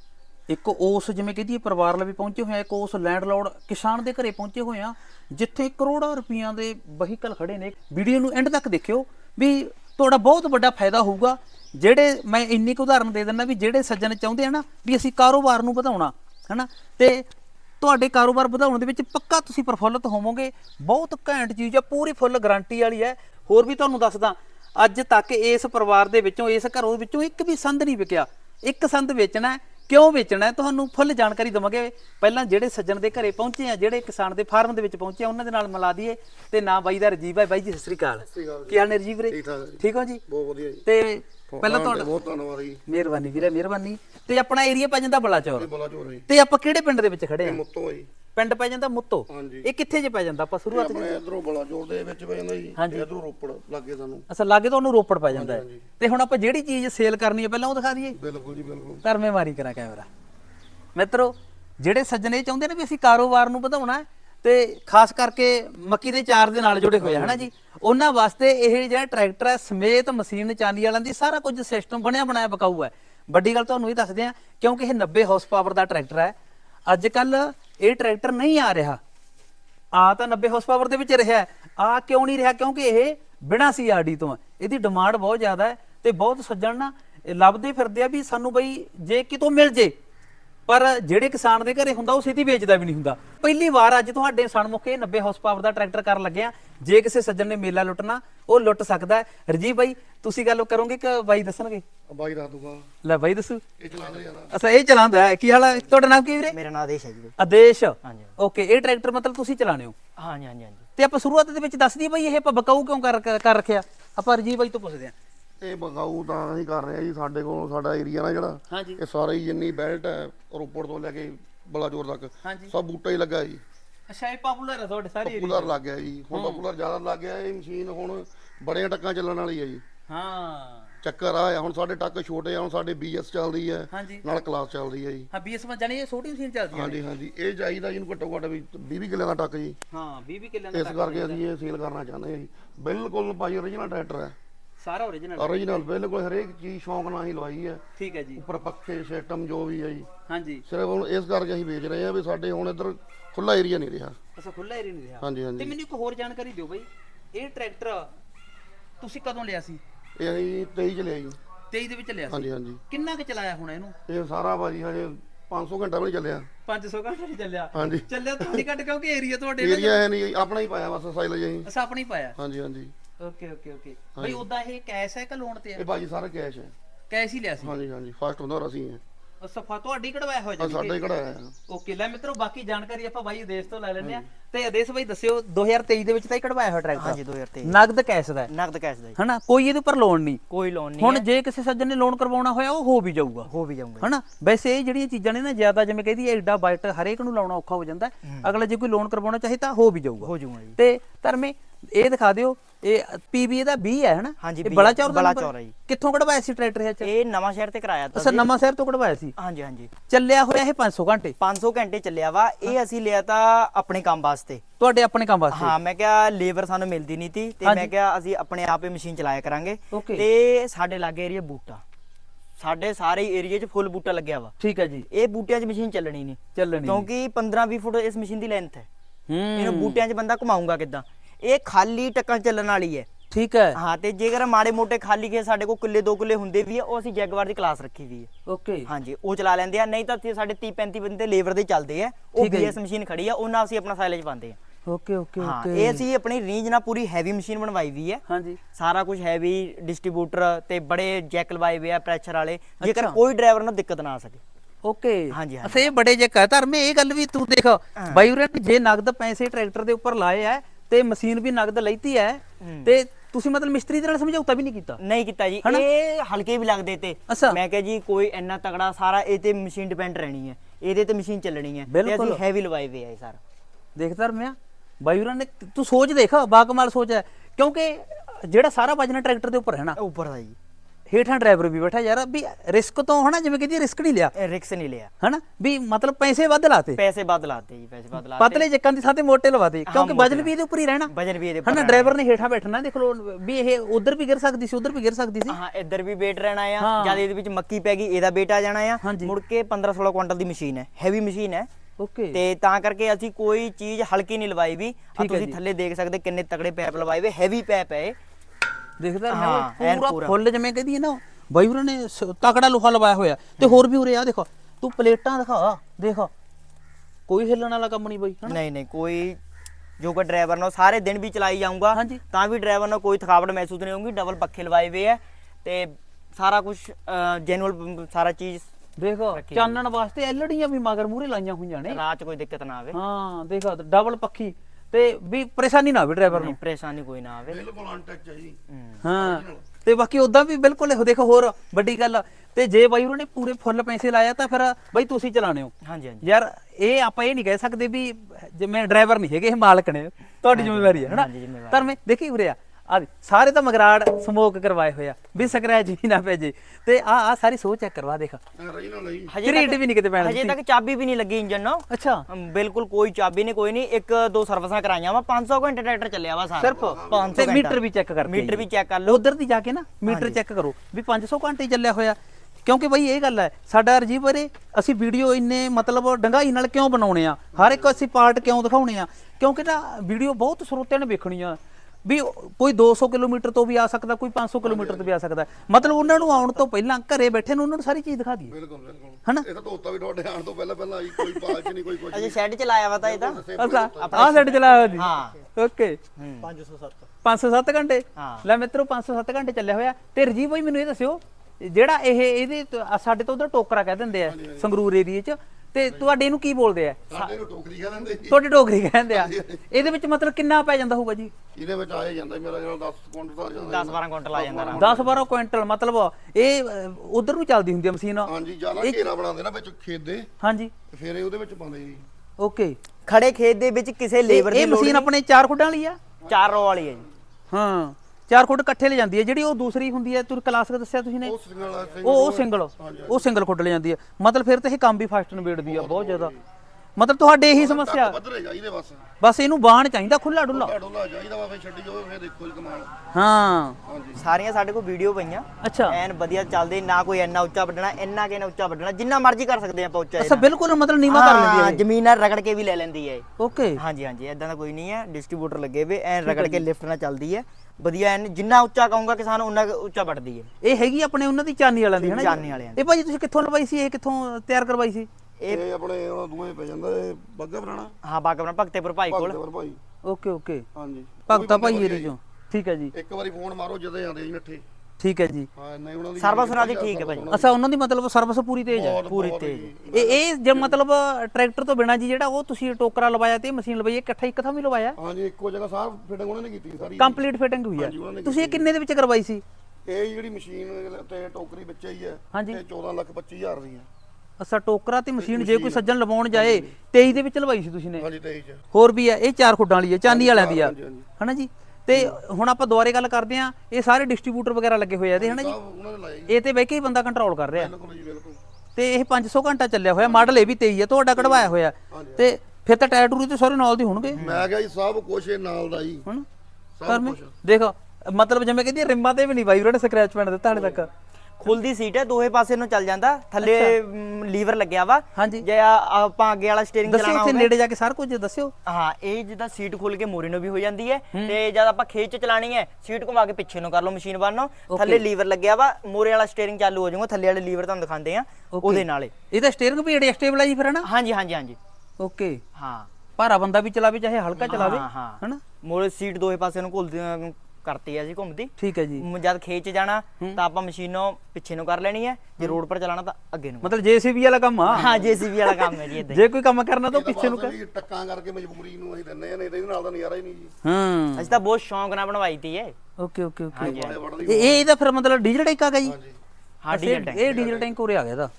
Speaker 1: ਇੱਕ ਉਸ ਜਿਵੇਂ ਕਹਦੀ ਪਰਿਵਾਰ ਲਈ ਪਹੁੰਚੇ ਹੋਏ ਆ, ਇੱਕ ਉਸ ਲੈਂਡਲੋਰਡ ਕਿਸਾਨ ਦੇ ਘਰੇ ਪਹੁੰਚੇ ਹੋਏ ਆ ਜਿੱਥੇ ਕਰੋੜਾਂ ਰੁਪਈਆਂ ਦੇ ਵਹੀਕਲ ਖੜੇ ਨੇ। ਵੀਡੀਓ ਨੂੰ ਐਂਡ ਤੱਕ ਦੇਖਿਓ, ਵੀ ਤੁਹਾਡਾ ਬਹੁਤ ਵੱਡਾ ਫਾਇਦਾ ਹੋਊਗਾ। ਜਿਹੜੇ ਮੈਂ ਇੰਨੀ ਕੁ ਉਦਾਹਰਨ ਦੇ ਦਿੰਦਾ, ਵੀ ਜਿਹੜੇ ਸੱਜਣ ਚਾਹੁੰਦੇ ਆ ਨਾ ਵੀ ਅਸੀਂ ਕਾਰੋਬਾਰ ਨੂੰ ਵਧਾਉਣਾ ਹਨਾ, ਤੇ ਤੁਹਾਡੇ ਕਾਰੋਬਾਰ ਵਧਾਉਣ ਦੇ ਵਿੱਚ ਪੱਕਾ ਤੁਸੀਂ ਪ੍ਰਫੁੱਲਤ ਹੋਵੋਗੇ। ਬਹੁਤ ਘੈਂਟ ਚੀਜ਼ ਆ, ਪੂਰੀ ਫੁੱਲ ਗਾਰੰਟੀ ਵਾਲੀ ਹੈ। ਹੋਰ ਵੀ ਤੁਹਾਨੂੰ ਦੱਸਦਾ, ਅੱਜ ਤੱਕ ਇਸ ਪਰਿਵਾਰ ਦੇ ਵਿੱਚੋਂ, ਇਸ ਘਰੋਂ ਵਿੱਚੋਂ ਇੱਕ ਵੀ ਸੰਦ ਨਹੀਂ ਵਿਕਿਆ। ਇੱਕ ਸੰਦ ਵੇਚਣਾ, ਕਿਉਂ ਵੇਚਣਾ, ਤੁਹਾਨੂੰ ਫੁੱਲ ਜਾਣਕਾਰੀ ਦਵਾਂਗੇ। ਪਹਿਲਾਂ ਜਿਹੜੇ ਸੱਜਣ ਦੇ ਘਰੇ ਪਹੁੰਚੇ ਆ, ਜਿਹੜੇ ਕਿਸਾਨ ਦੇ ਫਾਰਮ ਦੇ ਵਿੱਚ ਪਹੁੰਚੇ ਆ, ਉਹਨਾਂ ਦੇ ਨਾਲ ਮਿਲਾ ਦਈਏ। ਤੇ ਨਾਂ ਬਾਈ ਦਾ ਰਜੀਵ ਹੈ। ਬਾਈ ਜੀ ਸਤਿ ਸ੍ਰੀ ਅਕਾਲ, ਕੀ ਹਾਲ ਨੇ ਰਜੀਵ ਵੀਰੇ? ਠੀਕ ਹੋ ਜੀ? ਬਹੁਤ ਵਧੀਆ ਜੀ। ਤੇ ਪਹਿਲਾਂ ਤੁਹਾਡਾ ਬਹੁਤ ਧੰਨਵਾਦ ਜੀ। ਮਿਹਰਬਾਨੀ ਵੀਰੇ, ਮਿਹਰਬਾਨੀ। ਤੇ ਆਪਣਾ ਏਰੀਆ ਪੈ ਜਾਂਦਾ ਬਲਾਚੌਰ, ਤੇ ਆਪਾਂ ਕਿਹੜੇ ਪਿੰਡ ਦੇ ਵਿੱਚ ਖੜੇ ਆ? ਮੁੱਤੋ ਜੀ ਪਿੰਡ ਪੈ ਜਾਂਦਾ। ਮੁੱਤੋ ਇਹ ਕਿੱਥੇ ਜੇ ਪੈ ਜਾਂਦਾ? ਆਪਾਂ ਸ਼ੁਰੂਆਤ
Speaker 3: ਇਧਰੋਂ ਬਲਾਚੌਰ ਦੇ ਵਿੱਚ ਪੈ ਜਾਂਦਾ ਜੀ, ਇਧਰੋਂ ਰੋਪੜ ਲੱਗੇ ਸਾਨੂੰ।
Speaker 1: ਅੱਛਾ, ਲਾਗੇ ਤੁਹਾਨੂੰ ਰੋਪੜ ਪੈ ਜਾਂਦਾ। ਤੇ ਹੁਣ ਆਪਾਂ ਜਿਹੜੀ ਚੀਜ਼ ਸੇਲ ਕਰਨੀ ਹੈ ਪਹਿਲਾਂ ਉਹ ਦਿਖਾ ਦਈਏ।
Speaker 3: ਬਿਲਕੁਲ ਜੀ, ਬਿਲਕੁਲ।
Speaker 1: ਧਰਮੇ ਮਾਰੀ ਕਰਾਂ ਕੈਮਰਾ। ਮਿੱਤਰੋ, ਜਿਹੜੇ ਸੱਜਣੇ ਚਾਹੁੰਦੇ ਨੇ ਵੀ ਅਸੀਂ ਕਾਰੋਬਾਰ ਨੂੰ ਵਧਾਉਣਾ, ਤੇ ਖਾਸ ਕਰਕੇ ਮੱਕੀ ਦੇ ਚਾਰ ਦੇ ਨਾਲ ਜੁੜੇ ਹੋਏ ਆ ਹਨਾ ਜੀ, ਉਹਨਾਂ ਵਾਸਤੇ ਇਹ ਜਿਹੜਾ ਟਰੈਕਟਰ ਹੈ ਸਮੇਤ ਮਸ਼ੀਨ ਚਾਨੀ ਵਾਲਿਆਂ ਦੀ ਸਾਰਾ ਕੁਝ ਸਿਸਟਮ ਬਣਿਆ ਬਣਾਇਆ ਵਿਕਾਊ ਹੈ। ਵੱਡੀ ਗੱਲ ਤੁਹਾਨੂੰ ਇਹ ਦੱਸਦੇ ਆ, ਕਿਉਂਕਿ ਇਹ 90 ਹਾਰਸ ਪਾਵਰ ਦਾ ਟਰੈਕਟਰ ਹੈ। ਅੱਜ ਕੱਲ ਇਹ ਟਰੈਕਟਰ ਨਹੀਂ ਆ ਰਿਹਾ, ਆ ਤਾਂ 90 ਹਾਰਸ ਪਾਵਰ ਦੇ ਵਿੱਚ ਰਿਹਾ, ਆ ਕਿਉਂ ਨਹੀਂ ਰਿਹਾ? ਕਿਉਂਕਿ ਇਹ ਬਿਨਾਂ CRD ਤੋਂ ਹੈ। ਇਹਦੀ ਡਿਮਾਂਡ ਬਹੁਤ ਜ਼ਿਆਦਾ ਹੈ, ਤੇ ਬਹੁਤ ਸੱਜਣ ਨਾ ਲੱਭਦੇ ਫਿਰਦੇ ਆ ਵੀ ਸਾਨੂੰ ਬਈ ਜੇ ਕਿਤੋਂ ਮਿਲ ਜੇ, ਪਰ ਜਿਹੜੇ ਕਿਸਾਨ ਦੇ ਘਰੇ ਹੁੰਦਾ ਉਹ ਛੇਤੀ ਵੇਚਦਾ ਵੀ ਨਹੀਂ ਹੁੰਦਾ। ਪਹਿਲੀ ਵਾਰ ਅੱਜ ਤੁਹਾਡੇ ਸਨਮੁਖੇ 90 ਹਾਰਸ ਪਾਵਰ ਦਾ ਟਰੈਕਟਰ ਕਰਨ ਲੱਗਿਆ। ਜੇ ਕਿਸੇ ਸੱਜਣ ਨੇ ਮੇਲਾ ਲੁੱਟਣਾ, ਉਹ ਲੁੱਟ ਸਕਦਾ ਹੈ। ਰਜੀਵ ਬਾਈ, ਤੁਸੀਂ ਗੱਲ ਕਰੋਗੇ ਕਿ ਬਾਈ ਦੱਸਣਗੇ?
Speaker 3: ਬਾਈ ਦੱਸ ਦੂਗਾ।
Speaker 1: ਲੈ ਬਾਈ ਦੱਸੂ।
Speaker 3: ਇਹ ਚਲਾਉਂਦਾ ਯਾਰ।
Speaker 1: ਅੱਛਾ, ਇਹ ਚਲਾਉਂਦਾ ਹੈ। ਕੀ ਹਾਲ ਹੈ? ਤੁਹਾਡਾ ਨਾਮ ਕੀ ਵੀਰੇ?
Speaker 2: ਮੇਰਾ ਨਾਮ ਆਦੇਸ਼ ਹੈ ਜੀ।
Speaker 1: ਆਦੇਸ਼,
Speaker 2: ਹਾਂਜੀ।
Speaker 1: ਓਕੇ। ਇਹ ਟਰੈਕਟਰ ਮਤਲਬ ਤੁਸੀਂ ਚਲਾਣੇ ਹੋ?
Speaker 2: ਹਾਂਜੀ ਹਾਂਜੀ ਹਾਂਜੀ।
Speaker 1: ਤੇ ਆਪਾਂ ਸ਼ੁਰੂਆਤ ਦੇ ਵਿੱਚ ਦੱਸ ਦਈਏ ਬਾਈ, ਇਹ ਆਪਾਂ ਬਕਾਊ ਕਿਉਂ ਕਰ ਰੱਖਿਆ? ਆਪਾਂ ਰਜੀਵ ਬਾਈ ਤੋਂ ਪੁੱਛਦੇ ਹਾਂ।
Speaker 3: ਇਹ ਬਗਾਊ ਤਾਂ ਅਸੀਂ ਕਰ ਰਹੇ ਆ ਜੀ। ਸਾਡੇ ਕੋਲ ਸਾਡਾ ਏਰੀਆ ਨਾ ਜਿਹੜਾ, ਇਹ ਸਾਰਾ ਹੀ ਜਿੰਨੀ ਬੈਲਟ ਹੈ ਰੋਪੜ ਤੋਂ ਲੈ ਕੇ ਬਲਾਚੌਰ ਤੱਕ ਸਭ ਬੂਟਾ ਹੀ ਲੱਗਾ ਜੀ।
Speaker 1: ਅੱਛਾ, ਇਹ ਪਪੂਲਰ ਹੈ ਤੁਹਾਡੇ ਸਾਰੇ ਏਰੀਆ?
Speaker 3: ਪਪੂਲਰ ਲੱਗ ਗਿਆ ਜੀ, ਹੁਣ ਪਪੂਲਰ ਜ਼ਿਆਦਾ ਲੱਗ ਗਿਆ। ਇਹ ਮਸ਼ੀਨ ਹੁਣ ਬੜਿਆਂ ਟੱਕਾਂ ਚੱਲਣ ਵਾਲੀ ਹੈ ਜੀ।
Speaker 1: ਹਾਂ,
Speaker 3: ਚੱਕਰ ਆ ਹੁਣ ਸਾਡੇ ਟੱਕ ਛੋਟੇ ਆ, ਹੁਣ ਸਾਡੇ BS ਚੱਲਦੀ ਹੈ, ਨਾਲ ਕਲਾਸ ਚੱਲਦੀ ਹੈ ਜੀ।
Speaker 1: ਹਾਂ, BS ਮਾ ਜਾਨੀ ਇਹ ਛੋਟੀ ਮਸ਼ੀਨ ਚੱਲਦੀ ਹੈ।
Speaker 3: ਹਾਂਜੀ ਹਾਂਜੀ, ਇਹ ਚਾਹੀਦਾ ਜਿਹਨੂੰ ਘੱਟੋ ਘੱਟ ਵੀ 20 ਕਿੱਲਿਆਂ ਦਾ ਟੱਕ ਜੀ।
Speaker 1: ਹਾਂ, 20 ਕਿੱਲਿਆਂ ਦਾ
Speaker 3: ਇਸ ਕਰਕੇ ਅਸੀਂ ਇਹ ਸੇਲ ਕਰਨਾ ਚਾਹੁੰਦੇ ਹਾਂ ਜੀ। ਬਿਲਕੁਲ ਭਾਈ ਓਰੀਜਨਲ ਟਰੈਕਟਰ ਹੈ,
Speaker 1: ਸਾਰਾ
Speaker 3: ਓਰੀਜਨਲ ਬਿਲਕੁਲ। ਹਰੇਕ ਚੀਜ਼ ਸ਼ੌਂਕ ਨਾਲ ਹੀ ਲਵਾਈ ਹੈ।
Speaker 1: ਠੀਕ ਹੈ ਜੀ।
Speaker 3: ਉੱਪਰ ਪੱਖੇ ਸਿਸਟਮ ਜੋ ਵੀ ਹੈ ਜੀ।
Speaker 1: ਹਾਂਜੀ,
Speaker 3: ਸਿਰਫ ਹੁਣ ਇਸ ਕਰਕੇ ਅਸੀਂ ਵੇਚ ਰਹੇ ਹਾਂ ਵੀ ਸਾਡੇ ਹੁਣ ਇੱਧਰ ਖੁੱਲਾ ਏਰੀਆ ਨਹੀਂ ਰਿਹਾ।
Speaker 1: ਅੱਛਾ, ਖੁੱਲਾ ਏਰੀਆ ਨਹੀਂ ਰਿਹਾ।
Speaker 3: ਹਾਂਜੀ
Speaker 1: ਤੇ
Speaker 3: ਹਾਂਜੀ।
Speaker 1: ਮੈਨੂੰ ਇੱਕ ਹੋਰ ਜਾਣਕਾਰੀ ਦਿਓ ਬਾਈ, ਇਹ ਟਰੈਕਟਰ ਤੁਸੀਂ ਕਦੋਂ ਲਿਆ ਸੀ?
Speaker 3: ਇਹ ਅਸੀਂ 23 ਚ ਲਿਆ ਜੀ।
Speaker 1: 23 ਦੇ ਵਿੱਚ ਲਿਆ ਸੀ?
Speaker 3: ਹਾਂਜੀ ਹਾਂਜੀ।
Speaker 1: ਕਿੰਨਾ ਕੁ ਚਲਾਇਆ ਹੁਣ ਇਹਨੂੰ?
Speaker 3: ਇਹ ਸਾਰਾ ਭਾਜੀ ਹਜੇ 500 ਘੰਟਾ ਵੀ ਨਹੀਂ ਚੱਲਿਆ।
Speaker 1: 500 ਘੰਟਾ ਨਹੀਂ ਚੱਲਿਆ?
Speaker 3: ਹਾਂਜੀ।
Speaker 1: ਚੱਲਿਆ ਤਾਂ ਨਹੀਂ ਘੱਟ, ਕਿਉਂਕਿ ਏਰੀਆ ਤੁਹਾਡੇ
Speaker 3: ਏਰੀਆ ਹੈ ਨਹੀਂ, ਆਪਣਾ ਹੀ ਪਾਇਆ ਬਸ ਸਾਈਲਜ ਅਸੀਂ।
Speaker 1: ਅੱਛਾ, ਆਪਣਾ ਹੀ ਪਾਇਆ?
Speaker 3: ਹਾਂਜੀ ਹਾਂਜੀ।
Speaker 1: Okay okay okay. ਬਈ ਉਦਾਂ ਇਹ ਕੈਸ਼ ਹੈ ਕਿ ਲੋਨ ਤੇ ਹੈ?
Speaker 3: ਇਹ ਭਾਜੀ ਸਾਰਾ ਕੈਸ਼ ਹੈ।
Speaker 1: ਕੈਸ਼ ਹੀ ਲਿਆ ਸੀ?
Speaker 3: ਹਾਂਜੀ ਹਾਂਜੀ, ਫਸਟ ਹੁੰਦਾ ਅਸੀਂ ਹੈ।
Speaker 1: ਸਫਾ ਤੁਹਾਡੀ ਕਢਵਾਇਆ ਹੋਇਆ ਜੀ?
Speaker 3: ਸਾਡੇ ਕਢਾਇਆ।
Speaker 1: ਓਕੇ। ਲੈ ਮਿੱਤਰੋ, ਬਾਕੀ ਜਾਣਕਾਰੀ ਆਪਾਂ ਬਾਈ ਆਦੇਸ਼ ਤੋਂ ਲੈ ਲੈਂਦੇ ਆ। ਤੇ ਆਦੇਸ਼ ਬਾਈ ਦੱਸਿਓ, 2023 ਦੇ ਵਿੱਚ ਤਾਂ ਹੀ ਕਢਵਾਇਆ ਹੋਇਆ ਟਰੈਕਟਰ?
Speaker 2: ਹਾਂਜੀ, 2023
Speaker 1: ਨਗਦ ਕੈਸ਼ ਦਾ?
Speaker 2: ਨਗਦ ਕੈਸ਼ ਦਾ
Speaker 1: ਹਨਾ, ਕੋਈ ਇਹਦੇ ਉੱਪਰ ਲੋਨ ਨਹੀਂ?
Speaker 2: ਕੋਈ ਲੋਨ ਨਹੀਂ।
Speaker 1: ਹੁਣ ਜੇ ਕਿਸੇ ਸੱਜਣ ਨੇ ਲੋਨ ਕਰਵਾਉਣਾ ਹੋਇਆ ਉਹ ਹੋ ਵੀ ਜਾਊਗਾ? ਹਨਾ। ਵੈਸੇ ਇਹ ਜਿਹੜੀਆਂ ਚੀਜ਼ਾਂ ਨੇ ਨਾ, ਜ਼ਿਆਦਾ ਜਿਵੇਂ ਕਹਦੀ ਐਡਾ ਬਾਈਟ ਹਰੇਕ ਨੂੰ ਲਾਉਣਾ ਔਖਾ ਹੋ ਜਾਂਦਾ। ਅਗਲਾ ਜੇ ਕੋਈ ਲੋਨ ਕਰਵਾਉਣਾ ਚਾਹੇ ਤਾਂ ਹੋ ਵੀ ਜਾਊਗਾ।
Speaker 2: ਜੀ।
Speaker 1: ਤੇ ਧਰਮੇ ਇਹ ਦਿਖਾ ਦਿਓ, ਇਹ PB ਇਹਦਾ 20 ਹੈ ਹਨਾ?
Speaker 2: ਹਾਂਜੀ,
Speaker 1: ਇਹ ਬਲਾਚੌਰ ਦਾ
Speaker 2: ਬਲਾਚੌਰ ਹੈ ਜੀ।
Speaker 1: ਕਿੱਥੋਂ ਕਢਵਾਇਆ ਸੀ ਟਰੈਕਟਰ ਇਹ?
Speaker 2: ਇਹ ਨਵਾਂ ਸ਼ਹਿਰ ਤੇ ਕਰਾਇਆ ਤਾਂ।
Speaker 1: ਅੱਛਾ, ਨਵਾਂ ਸ਼ਹਿਰ ਤੋਂ ਕਢਵਾਇਆ ਸੀ?
Speaker 2: ਹਾਂਜੀ ਹਾਂਜੀ।
Speaker 1: ਚੱਲਿਆ ਹੋਇਆ ਇਹ 500 ਘੰਟੇ?
Speaker 2: 500 ਘੰਟੇ ਚੱਲਿਆ ਵਾ। ਇਹ ਅਸੀਂ ਲਿਆ ਤਾਂ ਆਪਣੇ ਕੰਮ ਵਾਸਤੇ,
Speaker 1: ਤੁਹਾਡੇ ਆਪਣੇ ਕੰਮ ਵਾਸਤੇ?
Speaker 2: ਹਾਂ, ਮੈਂ ਕਿਹਾ ਲੇਬਰ ਸਾਨੂੰ ਮਿਲਦੀ ਨਹੀਂ ਤੀ, ਤੇ ਮੈਂ ਕਿਹਾ ਅਸੀਂ ਆਪਣੇ ਆਪ ਹੀ ਮਸ਼ੀਨ ਚਲਾਇਆ ਕਰਾਂਗੇ। ਤੇ ਸਾਡੇ ਲਾਗੇ ਏਰੀਆ ਬੂਟਾ, ਸਾਡੇ ਸਾਰੇ ਏਰੀਆ 'ਚ ਫੁੱਲ ਬੂਟਾ ਲੱਗਿਆ ਵਾ।
Speaker 1: ਠੀਕ ਹੈ ਜੀ।
Speaker 2: ਇਹ ਬੂਟਿਆਂ 'ਚ ਮਸ਼ੀਨ ਚੱਲਣੀ ਨਹੀਂ ਕਿਉਂਕਿ 15-20 ਫੁੱਟ ਇਸ ਮਸ਼ੀਨ ਦੀ ਲੈਂਥ ਹੈ। ਇਹਨੂੰ ਬੂਟਿਆਂ 'ਚ ਬੰਦਾ ਘੁਮਾਊਗਾ ਕਿੱਦਾਂ? ਇਹ ਖਾਲੀ ਟੱਕਾਂ ਚੱਲਣ ਵਾਲੀ ਹੈ।
Speaker 1: ਠੀਕ ਹੈ।
Speaker 2: ਹਾਂ, ਤੇ ਜੇਕਰ ਮਾੜੇ ਮੋਟੇ ਖਾਲੀ ਕੇ ਸਾਡੇ ਕੋਲ ਕਿੱਲੇ 2 ਕਿੱਲੇ ਹੁੰਦੇ ਵੀ ਆ, ਉਹ ਅਸੀਂ ਜੈਗਵਾਰ ਦੀ ਕਲਾਸ ਰੱਖੀ ਵੀ ਹੈ।
Speaker 1: ਓਕੇ।
Speaker 2: ਹਾਂਜੀ, ਉਹ ਚਲਾ ਲੈਂਦੇ ਆ। ਨਹੀਂ ਤਾਂ ਸਾਡੇ 30-35 ਬੰਦੇ ਲੇਬਰ ਦੇ ਚੱਲਦੇ ਆ। ਉਹ BS ਮਸ਼ੀਨ ਖੜੀ ਆ, ਉਹਨਾਂ ਅਸੀਂ ਆਪਣਾ ਸਾਈਲੇਜ ਪਾਉਂਦੇ ਆ।
Speaker 1: ਓਕੇ ਓਕੇ
Speaker 2: ਹਾਂ,
Speaker 1: ਓਕੇ।
Speaker 2: ਇਹ ਅਸੀਂ ਆਪਣੀ ਰੇਂਜ ਨਾਲ ਪੂਰੀ ਹੈਵੀ ਮਸ਼ੀਨ ਬਣਵਾਈ ਵੀ ਹੈ।
Speaker 1: ਹਾਂਜੀ,
Speaker 2: ਸਾਰਾ ਕੁਝ ਹੈਵੀ ਡਿਸਟ੍ਰੀਬਿਊਟਰ ਤੇ ਬੜੇ ਜੈਕ ਲਵਾਏ ਹੋਏ ਆ ਪ੍ਰੈਸ਼ਰ ਵਾਲੇ, ਜੇਕਰ ਕੋਈ ਡਰਾਈਵਰ ਨੂੰ ਦਿੱਕਤ ਨਾ ਆ ਸਕੇ।
Speaker 1: ਓਕੇ।
Speaker 2: ਹਾਂਜੀ
Speaker 1: ਅੱਛਾ, ਇਹ ਬੜੇ ਜੇ ਕਹਿ ਧਰਮੇ ਇਹ ਗੱਲ ਵੀ ਤੂੰ ਦੇਖ ਬਾਈ ਉਰੇ ਜੇ ਨਗਦ ਪੈਸੇ ਟਰੈਕਟਰ ਦੇ ਉੱਪਰ ਲਾਏ ਆ ਤੇ ਮਸ਼ੀਨ ਵੀ ਨਗਦ ਲਈਤੀ ਹੈ ਤੇ ਤੁਸੀਂ ਮਤਲਬ ਮਿਸਤਰੀ ਦੇ ਨਾਲ ਸਮਝੌਤਾ ਵੀ ਨਹੀਂ ਕੀਤਾ?
Speaker 2: ਨਹੀਂ ਕੀਤਾ ਜੀ। ਇਹ ਹਲਕੇ ਵੀ ਲੱਗਦੇ ਤੇ ਮੈਂ ਕਿਹਾ ਜੀ ਕੋਈ ਇੰਨਾ ਤਗੜਾ ਸਾਰਾ ਇਹ ਤੇ ਮਸ਼ੀਨ ਡਿਪੈਂਡ ਰਹਿਣੀ ਹੈ, ਇਹਦੇ ਤੇ ਮਸ਼ੀਨ ਚੱਲਣੀ ਹੈ, ਤੇ ਅਸੀਂ ਹੈਵੀ ਲਵਾਏ ਹੋਏ ਆ ਇਹ ਸਾਰਾ।
Speaker 1: ਦੇਖ ਧਰਮਿਆ ਬਾਈ ਉਰਾਂ ਨੇ ਤੂੰ ਸੋਚ ਦੇਖ ਬਾਕਮਾਲ ਸੋਚ ਹੈ, ਕਿਉਂਕਿ ਜਿਹੜਾ ਸਾਰਾ ਵਜਨ ਟਰੈਕਟਰ ਦੇ ਉੱਪਰ ਹੈ ਨਾ,
Speaker 2: ਉੱਪਰ ਦਾ ਜੀ,
Speaker 1: ਹੇਠਾਂ ਡਰਾਈਵਰ ਵੀ ਬੈਠਾ ਯਾਰ, ਵੀ ਰਿਸਕ ਤੋਂ ਹਨਾ ਜਿਵੇਂ ਕਿ ਰਿਸਕ ਨਹੀਂ ਲਿਆ,
Speaker 2: ਰਿਸਕ ਨਹੀਂ ਲਿਆ
Speaker 1: ਹਨਾ ਵੀ ਮਤਲਬ ਪੈਸੇ ਵੱਧ ਲਾਤੇ ਜੀ, ਪੈਸੇ ਵੱਧ ਲਾਤੇ ਪਤਲੇ ਜੱਕਾਂ ਦੀ ਥਾਂ ਤੇ ਮੋਟੇ ਲਵਾਤੇ, ਕਿਉਂਕਿ ਵਜਨ ਵੀ ਇਹਦੇ ਉੱਪਰ ਹੀ ਰਹਿਣਾ,
Speaker 2: ਵਜਨ ਵੀ ਇਹਦੇ
Speaker 1: ਹਨਾ ਡਰਾਈਵਰ ਨੇ ਹੇਠਾਂ ਬੈਠਣਾ, ਦੇਖ ਲਓ ਵੀ ਇਹ ਉਧਰ ਵੀ ਗਿਰ ਸਕਦੀ ਸੀ, ਉਧਰ ਵੀ ਗਿਰ ਸਕਦੀ ਸੀ।
Speaker 2: ਹਾਂ, ਇੱਧਰ ਵੀ ਵੇਟ ਰਹਿਣਾ ਆ, ਜਦ ਇਹਦੇ ਵਿੱਚ ਮੱਕੀ ਪੈ ਗਈ ਇਹਦਾ ਵੇਟ ਆ ਜਾਣਾ ਆ। ਮੁੜ ਕੇ 15-16 ਕੁਇੰਟਲ ਦੀ ਮਸ਼ੀਨ ਹੈ, ਹੈਵੀ ਮਸ਼ੀਨ ਹੈ।
Speaker 1: ਓਕੇ।
Speaker 2: ਤੇ ਤਾਂ ਕਰਕੇ ਅਸੀਂ ਕੋਈ ਚੀਜ਼ ਹਲਕੀ ਨਹੀਂ ਲਵਾਈ ਵੀ। ਤੁਸੀਂ ਥੱਲੇ ਦੇਖ ਸਕਦੇ ਕਿੰਨੇ ਤਕੜੇ ਪੈਪ ਲਵਾਏ ਵੇ, ਹੈਵੀ ਪੈਪ ਹੈ।
Speaker 1: ਦੇਖਦਾ ਪੂਰਾ ਫੁੱਲ ਜਿਵੇਂ ਕਹਦੀ ਨਾ ਬਾਈ ਉਹਨਾਂ ਨੇ ਤਕੜਾ ਲੋਹਾ ਲਵਾਇਆ ਹੋਇਆ, ਤੇ ਹੋਰ ਵੀ ਉਰੇ ਆ ਦੇਖੋ, ਤੂੰ ਪਲੇਟਾਂ ਦਿਖਾ, ਦੇਖ ਕੋਈ ਹਿੱਲਣ ਵਾਲਾ ਕੰਮ ਨਹੀਂ ਬਾਈ।
Speaker 2: ਨਹੀਂ ਕੋਈ ਜੋ ਕੋਈ ਡਰਾਈਵਰ ਨੂੰ ਸਾਰੇ ਦਿਨ ਵੀ ਚਲਾਈ ਜਾਊਂਗਾ ਤਾਂ ਵੀ ਡਰਾਈਵਰ ਨੂੰ ਕੋਈ ਥਕਾਵਟ ਮਹਿਸੂਸ ਨਹੀਂ ਹੋਊਗੀ। ਡਬਲ ਪੱਖੇ ਲਵਾਏ ਹੋਏ ਆ ਤੇ ਸਾਰਾ ਕੁਝ ਜੈਨੂਅਲ ਸਾਰਾ ਚੀਜ਼
Speaker 1: ਦੇਖ, ਚਾਨਣ ਵਾਸਤੇ ਐਲਡੀਆਂ ਵੀ ਮਗਰ ਮੂਹਰੇ ਲਾਈਆਂ ਹੋਈਆਂ ਨੇ,
Speaker 2: ਰਾਤ ਕੋਈ ਦਿੱਕਤ ਨਾ ਆਵੇ।
Speaker 1: ਹਾਂ ਦੇਖ, ਡਬਲ ਪੱਖੀ ਤੇ ਵੀ ਪਰੇਸ਼ਾਨੀ ਨਾ ਆਵੇ ਡਰਾਈਵਰ ਨੂੰ,
Speaker 2: ਪਰੇਸ਼ਾਨੀ ਕੋਈ ਨਾ ਆਵੇ,
Speaker 3: ਬਿਲਕੁਲ ਅਨਟੱਚ ਹੈ ਜੀ।
Speaker 1: ਹਾਂ, ਤੇ ਬਾਕੀ ਉਦਾਂ ਵੀ ਬਿਲਕੁਲ ਦੇਖੋ ਹੋਰ ਵੱਡੀ ਗੱਲ, ਤੇ ਜੇ ਬਾਈ ਉਹਨੇ ਪੂਰੇ ਫੁੱਲ ਪੈਸੇ ਲਾਇਆ ਤਾਂ ਫਿਰ ਬਾਈ ਤੁਸੀਂ ਚਲਾਣੇ ਹੋ।
Speaker 2: ਹਾਂਜੀ
Speaker 1: ਯਾਰ ਇਹ ਆਪਾਂ ਇਹ ਨਹੀਂ ਕਹਿ ਸਕਦੇ ਵੀ ਜਿਵੇਂ ਡਰਾਈਵਰ ਨਹੀਂ ਹੈਗੇ, ਇਹ ਮਾਲਕ ਨੇ, ਤੁਹਾਡੀ ਜ਼ਿੰਮੇਵਾਰੀ ਹੈ ਹਨਾ। ਪਰ ਮੈਂ ਦੇਖੀ ਉਰੇ ਆ ਸਾਰੇ ਤਾਂ ਮਗਰਾੜ ਸਮੋਕ ਕਰਵਾਏ ਹੋਇਆ ਵੀ ਸਕਰੈਚ ਵੀ ਨਾ ਪੈ ਜੇ, ਤੇ ਆ ਸਾਰੀ ਸੋਚ ਚੈੱਕ ਕਰਵਾ ਦੇਖ, ਰੀਡ ਵੀ ਨਹੀਂ ਕਿਤੇ ਪੈਣਾ,
Speaker 2: ਹਜੇ ਤੱਕ ਚਾਬੀ ਵੀ ਨਹੀਂ ਲੱਗੀ ਇੰਜਨ ਨੂੰ।
Speaker 1: ਅੱਛਾ,
Speaker 2: ਬਿਲਕੁਲ ਕੋਈ ਚਾਬੀ ਨਹੀਂ, ਕੋਈ ਨਹੀਂ। 1-2 ਸਰਵਿਸਾਂ ਕਰਾਈਆਂ ਵਾ, 500 ਘੰਟੇ ਟਰੈਕਟਰ ਚੱਲਿਆ ਵਾ ਸਾਰਾ,
Speaker 1: ਸਿਰਫ 500 ਘੰਟੇ। ਮੀਟਰ ਵੀ ਚੈੱਕ ਕਰਕੇ,
Speaker 2: ਮੀਟਰ ਵੀ ਚੈੱਕ ਕਰ ਲਓ,
Speaker 1: ਉਧਰ ਦੀ ਜਾ ਕੇ ਨਾ ਮੀਟਰ ਚੈੱਕ ਕਰੋ ਵੀ 500 ਘੰਟੇ ਚੱਲਿਆ ਹੋਇਆ। ਕਿਉਂਕਿ ਬਈ ਇਹ ਗੱਲ ਹੈ, ਸਾਡਾ ਰਜੀਵ ਬਾਰੇ ਅਸੀਂ ਵੀਡੀਓ ਇੰਨੇ ਮਤਲਬ ਡੰਗਾਈ ਨਾਲ ਕਿਉਂ ਬਣਾਉਣੇ ਆ, ਹਰ ਇੱਕ ਅਸੀਂ ਪਾਰਟ ਕਿਉਂ ਦਿਖਾਉਣੇ ਆ, ਕਿਉਂਕਿ ਨਾ ਵੀਡੀਓ ਬਹੁਤ ਸਰੋਤਿਆਂ ਨੇ ਵੇਖਣੀ ਆ, ਵੀ ਕੋਈ 200 ਕਿਲੋਮੀਟਰ ਤੋਂ ਵੀ ਆ ਸਕਦਾ, ਕੋਈ 500 ਕਿਲੋਮੀਟਰ ਤੋਂ ਵੀ ਆ ਸਕਦਾ, ਮਤਲਬ ਉਹਨਾਂ ਨੂੰ ਆਉਣ ਤੋਂ ਪਹਿਲਾਂ ਘਰੇ ਬੈਠੇ ਨੂੰ ਉਹਨਾਂ ਨੂੰ ਸਾਰੀ ਚੀਜ਼ ਦਿਖਾ ਦਈਏ।
Speaker 3: ਬਿਲਕੁਲ ਹਨਾ, ਇਹ ਤਾਂ ਧੋਤਾ ਵੀ ਤੁਹਾਡੇ ਆਉਣ ਤੋਂ ਪਹਿਲਾਂ ਆਈ, ਕੋਈ ਪਾਲਚ ਨਹੀਂ, ਕੋਈ ਕੁਝ
Speaker 2: ਅਜੇ ਸ਼ੈੱਡ ਚ ਲਾਇਆ ਵਾ ਤਾਂ ਇਹ ਤਾਂ।
Speaker 1: ਅੱਛਾ, ਆਹ ਸ਼ੈੱਡ ਚਲਾਇਆ ਹੋਇਆ ਜੀ।
Speaker 2: ਹਾਂ,
Speaker 1: ਓਕੇ। 507 ਘੰਟੇ ਲੈ ਮਿੱਤਰੋ, 507 ਘੰਟੇ ਚੱਲਿਆ ਹੋਇਆ। ਤੇ ਰਜੀਵ ਬਾਈ ਮੈਨੂੰ ਇਹ ਦੱਸਿਓ, ਜਿਹੜਾ ਇਹਦੇ ਸਾਡੇ ਤੋਂ ਉਧਰ ਟੋਕਰਾ ਕਹਿ ਦਿੰਦੇ ਆ ਸੰਗਰੂਰ ਏਰੀਏ 'ਚ, ਤੇ ਤੁਹਾਡੇ ਇਹਨੂੰ ਕੀ ਬੋਲਦੇ ਆ?
Speaker 3: ਸਾਡੇ ਨੂੰ ਟੋਕਰੀ ਕਹਿ ਦਿੰਦੇ ਜੀ।
Speaker 1: ਤੁਹਾਡੇ ਟੋਕਰੀ ਕਹਿੰਦੇ ਆ। ਇਹਦੇ ਵਿੱਚ ਮਤਲਬ ਕਿੰਨਾ ਪੈ ਜਾਂਦਾ ਹੋਊਗਾ ਜੀ?
Speaker 3: ਇਹਦੇ ਵਿੱਚ ਆਏ ਜਾਂਦਾ ਮੇਰਾ ਜਿਹੜਾ 10 ਕੁਇੰਟਲ ਆ ਜਾਂਦਾ,
Speaker 2: 10-12 ਕੁਇੰਟਲ ਆ ਜਾਂਦਾ,
Speaker 1: 10-12 ਕੁਇੰਟਲ। ਮਤਲਬ ਇਹ ਉਧਰ ਨੂੰ ਚੱਲਦੀ ਹੁੰਦੀ ਆ ਮਸ਼ੀਨ?
Speaker 3: ਹਾਂਜੀ, ਜਿਆਦਾ ਘੇਰਾ ਬਣਾਉਂਦੇ ਨਾ ਵਿੱਚ ਖੇਤ ਦੇ,
Speaker 1: ਹਾਂਜੀ,
Speaker 3: ਫਿਰ ਇਹ ਉਹਦੇ ਵਿੱਚ ਪਾਉਂਦੇ ਜੀ।
Speaker 1: ਓਕੇ।
Speaker 2: ਖੜੇ ਖੇਤ ਦੇ ਵਿੱਚ ਕਿਸੇ ਲੇਬਰ ਦੀ
Speaker 1: ਇਹ ਮਸ਼ੀਨ ਆਪਣੇ 4 ਖੁੱਡਾਂ ਵਾਲੀ ਆ?
Speaker 2: 4 ਰੋ ਵਾਲੀ ਹੈ ਜੀ।
Speaker 1: ਹਾਂ, 4 ਖੁੱਡ ਇਕੱਠੇ ਲੈ ਜਾਂਦੀ ਹੈ। ਜਿਹੜੀ ਉਹ ਦੂਸਰੀ ਹੁੰਦੀ ਹੈ ਤੁਸੀਂ ਕਲਾਸਿਕ ਦੱਸਿਆ ਤੁਸੀਂ ਨੇ, ਉਹ ਸਿੰਗਲ ਖੁੱਡ ਲੈ ਜਾਂਦੀ ਹੈ। ਮਤਲਬ ਫਿਰ ਤਾਂ ਇਹ ਕੰਮ ਵੀ ਫਾਸਟ ਨਿਬੇੜਦੀ ਆ ਬਹੁਤ ਜ਼ਿਆਦਾ। ਮਤਲਬ ਤੁਹਾਡੇ ਇਹੀ ਸਮੱਸਿਆ, ਬਸ ਇਹਨੂੰ ਬਾਣ ਚਾਹੀਦਾ ਖੁੱਲਾ ਡੁੱਲਾ
Speaker 3: ਚਾਹੀਦਾ ਵਾ, ਫਿਰ ਛੱਡੀ ਜਾਓ, ਫਿਰ ਦੇਖੋ ਜੀ ਕਮਾਲ।
Speaker 1: ਹਾਂ,
Speaker 2: ਸਾਰੀਆਂ ਸਾਡੇ ਕੋਲ ਵੀਡੀਓ ਪਈਆਂ।
Speaker 1: ਅੱਛਾ,
Speaker 2: ਐਨ ਵਧੀਆ ਚੱਲਦੇ, ਨਾ ਕੋਈ ਇੰਨਾ ਉੱਚਾ ਵੱਢਣਾ, ਇੰਨਾ ਕਿ ਨਾ ਉੱਚਾ ਵੱਢਣਾ, ਜਿੰਨਾ ਮਰਜ਼ੀ ਕਰ ਸਕਦੇ ਆਪਾਂ ਉੱਚਾ।
Speaker 1: ਅੱਛਾ, ਬਿਲਕੁਲ ਮਤਲਬ ਨੀਵਾ ਕਰ ਲੈਂਦੀ ਹੈ,
Speaker 2: ਜ਼ਮੀਨ ਨਾਲ ਰਗੜ ਕੇ ਵੀ ਲੈ ਲੈਂਦੀ ਹੈ।
Speaker 1: ਓਕੇ।
Speaker 2: ਹਾਂਜੀ, ਇਦਾਂ ਦਾ ਕੋਈ ਨਹੀਂ ਹੈ। ਡਿਸਟ੍ਰੀਬਿਊਟਰ ਲੱਗੇ ਵੇ, ਐਨ ਰਗੜ ਕੇ ਲਿਫਟ ਨਾਲ ਚੱਲਦੀ ਹੈ ਵਧੀਆ, ਐਨ ਜਿੰਨਾ ਉੱਚਾ ਕਹੂੰਗਾ ਕਿਸਾਨ ਉਹਨਾਂ ਉੱਚਾ ਵੱਢਦੀ ਹੈ।
Speaker 1: ਇਹ ਹੈਗੀ ਆਪਣੇ ਉਹਨਾਂ ਦੀ ਚਾਨੀ ਵਾਲਿਆਂ ਦੀ ਹੈ ਨਾ?
Speaker 2: ਚਾਨੀ ਵਾਲਿਆਂ ਦੀ।
Speaker 1: ਇਹ ਭਾਜੀ ਤੁਸੀਂ ਕਿੱਥੋਂ ਲਵਾਈ ਸੀ, ਇਹ ਕਿੱਥੋਂ ਤਿਆਰ ਕਰਵਾਈ ਸੀ?
Speaker 3: ਇਹ ਆਪਣੇ ਉਹਨਾਂ ਦੋਵੇਂ ਪੈ ਜਾਂਦਾ, ਇਹ ਬੱਗਾ ਪੁਰਾਣਾ।
Speaker 2: ਹਾਂ, ਬਾਗਾ ਪੁਰਾਣਾ, ਭਗਤੇਪੁਰ ਭਾਈ ਕੋਲ।
Speaker 1: ਓਕੇ ਓਕੇ,
Speaker 3: ਹਾਂਜੀ,
Speaker 1: ਭਗਤਾ ਭਾਈ ਏਰੀਏ ਚੋਂ। ਠੀਕ ਹੈ ਜੀ।
Speaker 3: ਇੱਕ ਵਾਰੀ ਫੋਨ ਮਾਰੋ ਜਦੋਂ ਆਉਂਦੇ ਜੀ ਨੱਠੇ।
Speaker 1: ਠੀਕ ਹੈ ਜੀ।
Speaker 3: ਹਾਂ, ਨਹੀਂ ਉਹਨਾਂ ਦੀ
Speaker 2: ਸਰਵਿਸ ਉਹਨਾਂ ਦੀ ਠੀਕ ਹੈ ਭਾਈ।
Speaker 1: ਅੱਛਾ, ਉਹਨਾਂ ਦੀ ਮਤਲਬ ਸਰਵਿਸ ਪੂਰੀ ਤੇਜ਼ ਹੈ?
Speaker 2: ਪੂਰੀ ਤੇਜ਼।
Speaker 1: ਇਹ ਜੇ ਮਤਲਬ ਟਰੈਕਟਰ ਤੋਂ ਬਿਨਾ ਜੀ ਜਿਹੜਾ ਉਹ ਤੁਸੀਂ ਟੋਕਰਾ ਲਵਾਇਆ ਤੇ ਮਸ਼ੀਨ ਲਵਾਈ, ਇਕੱਠਾ ਇੱਕ ਥਾਂ ਵੀ ਲਵਾਇਆ?
Speaker 3: ਹਾਂਜੀ, ਇੱਕੋ ਜਗ੍ਹਾ ਸਾਰ ਫਿਟਿੰਗ ਉਹਨਾਂ ਨੇ ਕੀਤੀ ਸਾਰੀ,
Speaker 1: ਕੰਪਲੀਟ ਫਿਟਿੰਗ ਹੋਈ ਹੈ। ਤੁਸੀਂ ਇਹ ਕਿੰਨੇ ਦੇ ਵਿੱਚ ਕਰਵਾਈ ਸੀ?
Speaker 3: ਇਹ ਜਿਹੜੀ ਮਸ਼ੀਨ ਤੇ ਟੋਕਰੀ ਵਿੱਚ ਆਈ ਹੈ,
Speaker 1: ਹਾਂਜੀ,
Speaker 3: ਇਹ 14,25,000 ਦੀ ਹੈ।
Speaker 1: ਅੱਛਾ, ਟੋਕਰਾ ਤੇ ਮਸ਼ੀਨ ਜੇ ਕੋਈ ਸੱਜਣ ਲਵਾਉਣ ਜਾਏ 23 ਦੇ ਵਿੱਚ ਲਵਾਈ ਸੀ ਤੁਸੀਂ ਨੇ?
Speaker 3: ਹਾਂਜੀ, 23 ਚ।
Speaker 1: ਹੋਰ ਵੀ ਹੈ, ਇਹ 4 ਖੁੱਡਾਂ ਵਾਲੀ ਹੈ, ਚਾਨੀ ਵਾਲਿਆਂ ਦੀ ਆ, ਹਨਾ ਜੀ। ਤੇ ਹੁਣ ਆਪਾਂ ਦੁਬਾਰੇ ਗੱਲ ਕਰਦੇ ਆਂ, ਇਹ ਸਾਰੇ ਡਿਸਟ੍ਰੀਬਿਊਟਰ ਵਗੈਰਾ ਲੱਗੇ ਹੋਏ ਆ ਇਹਦੇ, ਹਨਾ ਜੀ? ਇਹ ਤੇ ਬਹਿ ਕੇ ਹੀ ਬੰਦਾ ਕੰਟਰੋਲ ਕਰ ਰਿਹਾ। ਤੇ ਇਹ 500 ਘੰਟਾ ਚੱਲਿਆ ਹੋਇਆ, ਮਾਡਲ ਇਹ ਵੀ 23 ਹੈ, ਤੁਹਾਡਾ ਕਢਵਾਇਆ ਹੋਇਆ। ਤੇ ਫਿਰ ਤਾਂ ਟਾਇਰ ਟੂਰੀ ਤੇ ਸਾਰੇ ਨਾਲ ਦੇ ਹੋਣਗੇ?
Speaker 3: ਮੈਂ ਕਿਹਾ ਜੀ ਸਭ ਕੁਝ ਇਹ ਨਾਲ ਦਾ ਜੀ,
Speaker 1: ਹਨਾ? ਦੇਖ ਮਤਲਬ ਜਿਵੇਂ ਕਹਿੰਦੀ ਰਿੰਮਾਂ ਤੇ ਵੀ ਨਹੀਂ ਬਾਈ ਉਹਨੇ ਸਕ੍ਰੈਚ ਪੈਣ ਦਿੱਤਾ ਹਾਲੇ ਤੱਕ।
Speaker 2: ਖੁੱਲਦੀ ਸੀਟ ਹੈ, ਦੋਹੇ ਪਾਸੇ ਨੂੰ ਚੱਲ ਜਾਂਦਾ, ਥੱਲੇ ਲੀਵਰ ਲੱਗਿਆ ਵਾ।
Speaker 1: ਹਾਂਜੀ।
Speaker 2: ਜੇ ਆਪਾਂ ਅੱਗੇ ਵਾਲਾ ਸਟੀਅਰਿੰਗ
Speaker 1: ਦੱਸਿਓ
Speaker 2: ਚਲਾਣਾ
Speaker 1: ਉੱਥੇ
Speaker 2: ਹੋਵੇ,
Speaker 1: ਨੇੜੇ ਜਾ ਕੇ ਸਾਰਾ ਕੁਝ ਦੱਸਿਓ।
Speaker 2: ਹਾਂ ਇਹ ਜਿੱਦਾਂ ਸੀਟ ਖੁੱਲ ਕੇ ਮੋਰੇ ਨੂੰ ਵੀ ਹੋ ਜਾਂਦੀ ਹੈ, ਤੇ ਜਦ ਆਪਾਂ ਖੇਚ ਚ ਚਲਾਣੀ ਹੈ ਸੀਟ ਘੁਮਾ ਕੇ ਪਿੱਛੇ ਨੂੰ ਕਰ ਲਓ ਮਸ਼ੀਨ ਵੱਲ, ਥੱਲੇ ਲੀਵਰ ਲੱਗਿਆ ਵਾ, ਮੋਰੇ ਵਾਲਾ ਸਟੀਅਰਿੰਗ ਚਾਲੂ ਹੋ ਜਾਊਗਾ, ਥੱਲੇ ਵਾਲੇ ਲੀਵਰ ਤੁਹਾਨੂੰ ਦਿਖਾਉਂਦੇ ਆ ਉਹਦੇ ਨਾਲ।
Speaker 1: ਇਹਦਾ ਸਟੀਅਰਿੰਗ ਵੀ ਐਡਜਸਟੇਬਲ ਹੈ ਜੀ ਫਿਰ, ਹਨਾ?
Speaker 2: ਹਾਂਜੀ ਹਾਂਜੀ ਹਾਂਜੀ।
Speaker 1: ਓਕੇ।
Speaker 2: ਹਾਂ
Speaker 1: ਭਾਰਾ ਬੰਦਾ ਵੀ ਚਲਾਵੇ ਚਾਹੇ ਹਲਕਾ ਚਲਾਵੇ, ਹਨਾ?
Speaker 2: ਮੋਰੇ ਸੀਟ ਦੋਹੇ ਪਾਸੇ ਨੂੰ ਘੁਲਦੀ ਕਰਤੀ ਹੈ ਜੀ, ਘੁੰਮਦੀ।
Speaker 1: ਠੀਕ ਹੈ ਜੀ।
Speaker 2: ਜਦ ਖੇਚ ਜਾਣਾ ਤਾਂ ਆਪਾਂ ਮਸ਼ੀਨ ਨੂੰ ਪਿੱਛੇ ਨੂੰ ਕਰ ਲੈਣੀ ਹੈ, ਜੇ ਰੋਡ ਪਰ ਚਲਾਣਾ ਤਾਂ ਅੱਗੇ ਨੂੰ।
Speaker 1: ਮਤਲਬ ਜੇਸੀਬੀ ਵਾਲਾ ਕੰਮ ਆ।
Speaker 2: ਹਾਂ ਜੇਸੀਬੀ ਵਾਲਾ ਕੰਮ ਹੈ ਜੀ ਇਦਾਂ।
Speaker 1: ਜੇ ਕੋਈ ਕੰਮ ਕਰਨਾ ਤਾਂ ਪਿੱਛੇ ਨੂੰ ਕਰ।
Speaker 3: ਟੱਕਾਂ ਕਰਕੇ ਮਜਬੂਰੀ ਨੂੰ ਅਸੀਂ ਦਿੰਦੇ ਆ, ਨਹੀਂ ਤੇ ਇਹਦੇ ਨਾਲ ਦਾ ਨਜ਼ਾਰਾ ਹੀ ਨਹੀਂ ਜੀ।
Speaker 1: ਹਾਂ
Speaker 2: ਅਸੀਂ ਤਾਂ ਬਹੁਤ ਸ਼ੌਂਕ ਨਾਲ ਬਣਵਾਈ ਤੀ ਇਹ।
Speaker 1: Okay okay okay. ਇਹ ਇਹਦਾ ਫਿਰ ਮਤਲਬ ਡੀਜ਼ਲ ਟੈਂਕ ਆ ਗਿਆ ਜੀ?
Speaker 2: ਹਾਂ ਡੀਜ਼ਲ ਟੈਂਕ।
Speaker 1: ਇਹ ਡੀਜ਼ਲ ਟੈਂਕ ਉਰੇ ਆ ਗਿਆ ਇਹਦਾ।